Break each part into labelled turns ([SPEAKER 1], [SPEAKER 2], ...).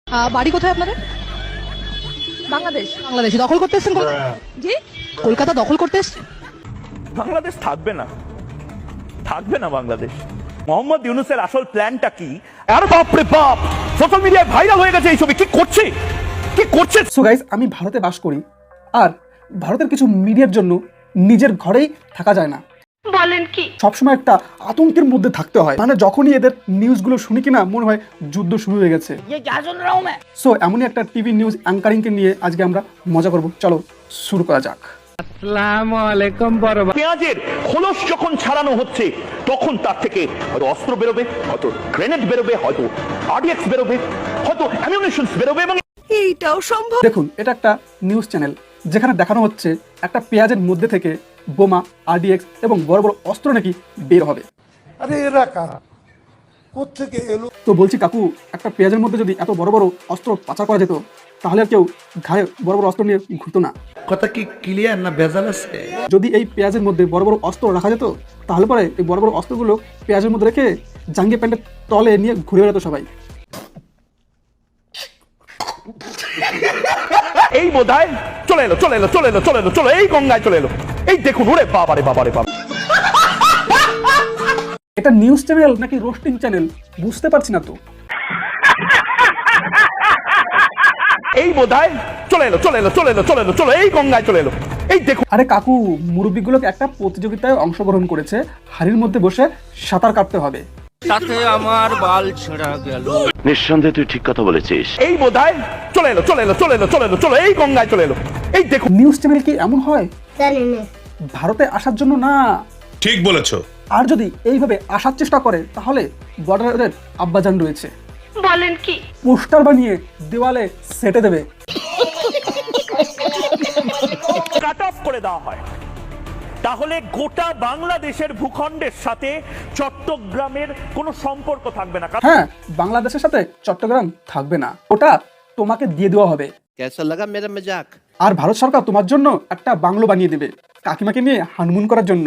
[SPEAKER 1] বাড়ি কোথায় আপনাদের?
[SPEAKER 2] বাংলাদেশ।
[SPEAKER 1] বাংলাদেশে দখল করতে এসেছেন?
[SPEAKER 2] জি,
[SPEAKER 1] কলকাতা দখল করতে এসেছেন?
[SPEAKER 3] বাংলাদেশ থাকবে না, থাকবে না বাংলাদেশ। মোহাম্মদ ইউনূসের আসল প্ল্যানটা কি? আর বাপরে বাপ, সোশ্যাল মিডিয়ায় ভাইরাল হয়ে গেছে এই ছবি। কি করছে, কি করছে?
[SPEAKER 4] সো গাইস, আমি ভারতে বাস করি, আর ভারতের কিছু মিডিয়ার জন্য নিজের ঘরেই থাকা যায় না।
[SPEAKER 2] বলেন কি?
[SPEAKER 4] সবসময় একটা আতঙ্কের মধ্যে থাকতে হয়। মানে যখনই এদের নিউজগুলো শুনি কিনা মনে হয় যুদ্ধ শুরু হয়ে গেছে। সো এমনই একটা টিভি নিউজ অ্যাঙ্কারিংকে নিয়ে আজকে আমরা মজা করব। চলো শুরু করা যাক।
[SPEAKER 3] পেঁয়াজের খোলস যখন ছাড়ানো হচ্ছে তখন তার থেকে হয়তো অস্ত্র বেরোবে, হয়তো গ্রেনেড বেরোবে, হয়তো আরডিএক্স বেরোবে, হয়তো অ্যামিউনিশনস বেরোবে। এবং
[SPEAKER 2] এইটাও সম্ভব।
[SPEAKER 4] দেখুন, এটা একটা নিউজ চ্যানেল যেখানে দেখানো হচ্ছে একটা পেঁয়াজের মধ্যে থেকে বোমা, আরডিএক্স এবং বড় বড় অস্ত্র নাকি বের হবে।
[SPEAKER 5] আরে এরা কারা, কোত্থেকে এলো?
[SPEAKER 4] তো বলছি কাকু, একটা পেঁয়াজের মধ্যে যদি এত বড় বড় অস্ত্র পাচার করা যেত তাহলে আর কেউ ঘাড়ে বড় বড় অস্ত্র নিয়ে ঘুরতো না।
[SPEAKER 6] কথা কি ক্লিয়ার না ভেজাল আছে?
[SPEAKER 4] যদি এই পেঁয়াজের মধ্যে বড় বড় অস্ত্র রাখা যেত তাহলে পরে এই বড় বড় অস্ত্রগুলো পেঁয়াজের মধ্যে রেখে জাঙ্গিয়া প্যান্টের তলে নিয়ে ঘুরে বেড়াতো সবাই।
[SPEAKER 3] এই বোধহয় চলে এলো, চলে এলো, চলে এলো, চলে এলো, চলো এই গঙ্গায় চলে এলো। এই দেখুন, ওরে বাবারে বাবারে বাবা।
[SPEAKER 4] এটা নিউজ চ্যানেল নাকি রোস্টিং চ্যানেল বুঝতে পারছি না তো।
[SPEAKER 3] এই বোধহয় চলে এলো, চলে এলো, চলে এলো, চলে এলো, চলো এই গঙ্গায় চলে এলো। এই দেখুন,
[SPEAKER 4] আরে কাকু, মুরব্বীগুলোকে একটা প্রতিযোগিতায় অংশগ্রহণ করেছে, হাড়ির মধ্যে বসে সাঁতার কাটতে হবে।
[SPEAKER 7] তাতে আমার বাল ছেঁড়া গেল।
[SPEAKER 8] নিঃসন্দেহে তুই ঠিক কথা বলেছিস।
[SPEAKER 3] এই বোধহয় চলে এলো, চলে এলো, চলে এলো, চলে এলো, চলো এই গঙ্গায় চলে এলো। এই দেখুন,
[SPEAKER 4] নিউজ চ্যানেল কি এমন হয়? ভারতে আসার জন্য না।
[SPEAKER 9] ঠিক বলেছো।
[SPEAKER 4] আর যদি এইভাবে আসার চেষ্টা করে তাহলে বর্ডারের আব্বাজান রয়েছে,
[SPEAKER 2] বলেন কি?
[SPEAKER 4] পোস্টার বানিয়ে দেওয়ালে সেটে দেবে।
[SPEAKER 3] কাট অফ করে দেওয়া হয় তাহলে গোটা বাংলাদেশের ভূখণ্ডের সাথে চট্টগ্রামের কোনো সম্পর্ক থাকবে না।
[SPEAKER 4] হ্যাঁ, বাংলাদেশের সাথে চট্টগ্রাম থাকবে না, ওটা তোমাকে দিয়ে দেওয়া হবে।
[SPEAKER 7] কেসা লাগা মেরা মজাক?
[SPEAKER 4] আর ভারত সরকার তোমার জন্য একটা বাংলো বানিয়ে দেবে কাকিমাকে নিয়ে হানিমুন করার জন্য।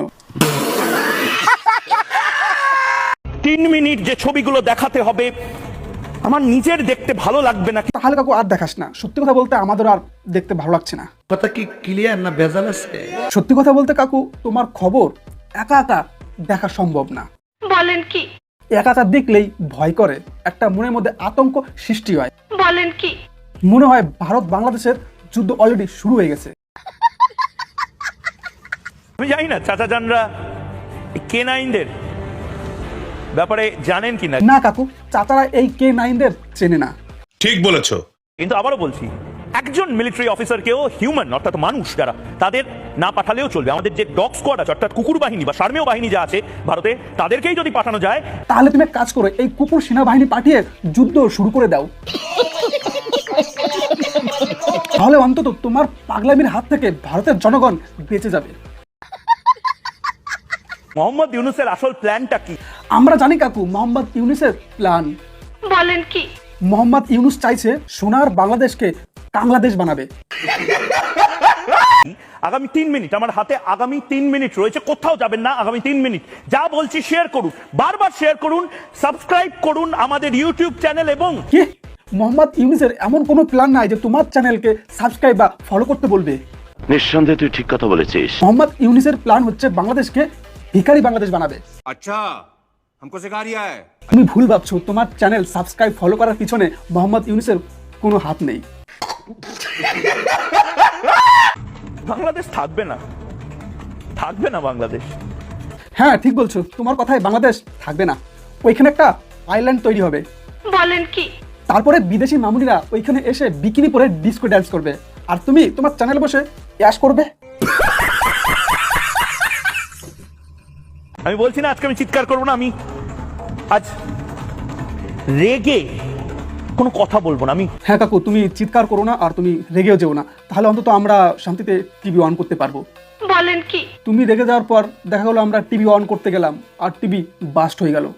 [SPEAKER 3] 3 মিনিট যে ছবিগুলো দেখাতে হবে আমার নিজের দেখতে ভালো লাগবে না।
[SPEAKER 4] তাহলে কাকু আর দেখাস না। সত্যি কথা বলতে আমাদের আর দেখতে ভালো লাগছে না।
[SPEAKER 6] কথা কি ক্লিয়ার না ভেজাল আছে?
[SPEAKER 4] সত্যি কথা বলতে কাকু, তোমার খবর একা একা দেখা সম্ভব না।
[SPEAKER 2] বলেন কি?
[SPEAKER 4] একা একা দেখলেই ভয় করে, একটা মনের মধ্যে আতঙ্ক সৃষ্টি হয়।
[SPEAKER 2] বলেন কি?
[SPEAKER 4] মনে হয় ভারত বাংলাদেশের যুদ্ধ অলরেডি শুরু হয়ে গেছে।
[SPEAKER 3] আমি জানি না চাচা জানরা K9দের ব্যাপারে জানেন কিনা।
[SPEAKER 4] না কাকু, চাচারা এই K9দের চেনে না।
[SPEAKER 9] ঠিক বলেছো।
[SPEAKER 3] কিন্তু আবারও বলছি, একজন মিলিটারি অফিসারকেও হিউম্যান অর্থাৎ মানুষ যারা, তাদের না পাঠালেও চলবে। আমাদের যে ডগ স্কোয়াড আছে অর্থাৎ কুকুর বাহিনী বা সার্মেয় বাহিনী যা আছে ভারতে, তাদেরকেই যদি পাঠানো যায়
[SPEAKER 4] তাহলে তুমি এক কাজ করো, এই কুকুর সেনাবাহিনী পাঠিয়ে যুদ্ধ শুরু করে দাও। তাহলে অন্তত তোমার পাগলামির হাত থেকে ভারতের জনগণ বেঁচে যাবে।
[SPEAKER 3] মোহাম্মদ ইউনূসের আসল প্ল্যানটা কি?
[SPEAKER 4] আমরা জানি কাকু মোহাম্মদ ইউনূসের প্ল্যান।
[SPEAKER 2] বলেন কি?
[SPEAKER 4] মোহাম্মদ ইউনূস চাইছে সোনার বাংলাদেশকে বাংলাদেশ বানাবে।
[SPEAKER 3] আগামী 3 মিনিট আমার হাতে, আগামী 3 মিনিট রয়েছে, কোথাও যাবেন না। আগামী 3 মিনিট যা বলছি শেয়ার করুন, বারবার শেয়ার করুন, সাবস্ক্রাইব করুন আমাদের ইউটিউব চ্যানেল। এবং
[SPEAKER 4] কি মোহাম্মদ ইউনূসের এমন কোনো প্ল্যান নাই যে তোমার চ্যানেলকে সাবস্ক্রাইব বা ফলো করতে বলবে?
[SPEAKER 8] নিঃসন্দেহে তুই ঠিক কথা বলেছিস।
[SPEAKER 4] মোহাম্মদ ইউনূসের প্ল্যান হচ্ছে বাংলাদেশকে ভিখারি বাংলাদেশ বানাবে।
[SPEAKER 7] আচ্ছা, हमको सिखा रिया है।
[SPEAKER 4] তুমি ভুল ভাবছো, তোমার চ্যানেল সাবস্ক্রাইব ফলো করার পিছনে মোহাম্মদ ইউনূসের কোনো হাত নেই।
[SPEAKER 3] বাংলাদেশ থাকবে না, থাকবে না বাংলাদেশ।
[SPEAKER 4] হ্যাঁ ঠিক বলছো, তোমার কথায় বাংলাদেশ থাকবে না। ওইখানে একটা আইল্যান্ড তৈরি হবে।
[SPEAKER 2] বলেন কি?
[SPEAKER 4] তারপরে বিদেশি মামুনিরা ওইখানে এসে বিকিনি পরে ডিস্কো ড্যান্স করবে, আর তুমি তোমার চ্যানেলে বসে অ্যাশ করবে।
[SPEAKER 3] আমি বলছি না আজকে আমি চিৎকার করবো না, আমি আজ রেগে কোনো কথা বলবো না। আমি
[SPEAKER 4] হ্যাঁ কাকু, তুমি চিৎকার করো না আর তুমি রেগেও যেও না, তাহলে অন্তত আমরা শান্তিতে টিভি অন করতে পারবো।
[SPEAKER 2] বলেন কি?
[SPEAKER 4] তুমি রেগে যাওয়ার পর দেখা গেলো আমরা টিভি অন করতে গেলাম আর টিভি বাস্ট হয়ে গেল।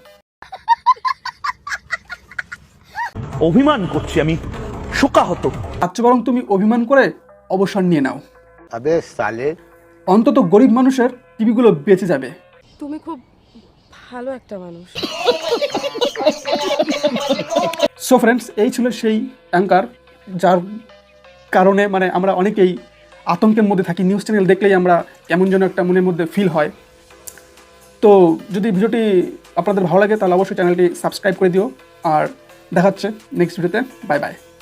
[SPEAKER 3] অভিমান করছি, আমি শোকাহত।
[SPEAKER 4] আচ্ছা, বরং তুমি অভিমান করে অবসর নিয়ে নাও।
[SPEAKER 5] আবে সালে,
[SPEAKER 4] অন্তত গরিব মানুষের টিভিগুলো বেঁচে যাবে।
[SPEAKER 2] তুমি খুব ভালো একটা মানুষ।
[SPEAKER 4] সো ফ্রেন্ডস, এই ছিল সেই অ্যাঙ্কার যার কারণে মানে আমরা অনেকেই আতঙ্কের মধ্যে থাকি। নিউজ চ্যানেল দেখলেই আমরা কেমন যেন একটা মনের মধ্যে ফিল হয়। তো যদি ভিডিওটি আপনাদের ভালো লাগে তাহলে অবশ্যই চ্যানেলটি সাবস্ক্রাইব করে দিও। আর দেখা হচ্ছে নেক্সট ভিডিওতে। Bye by.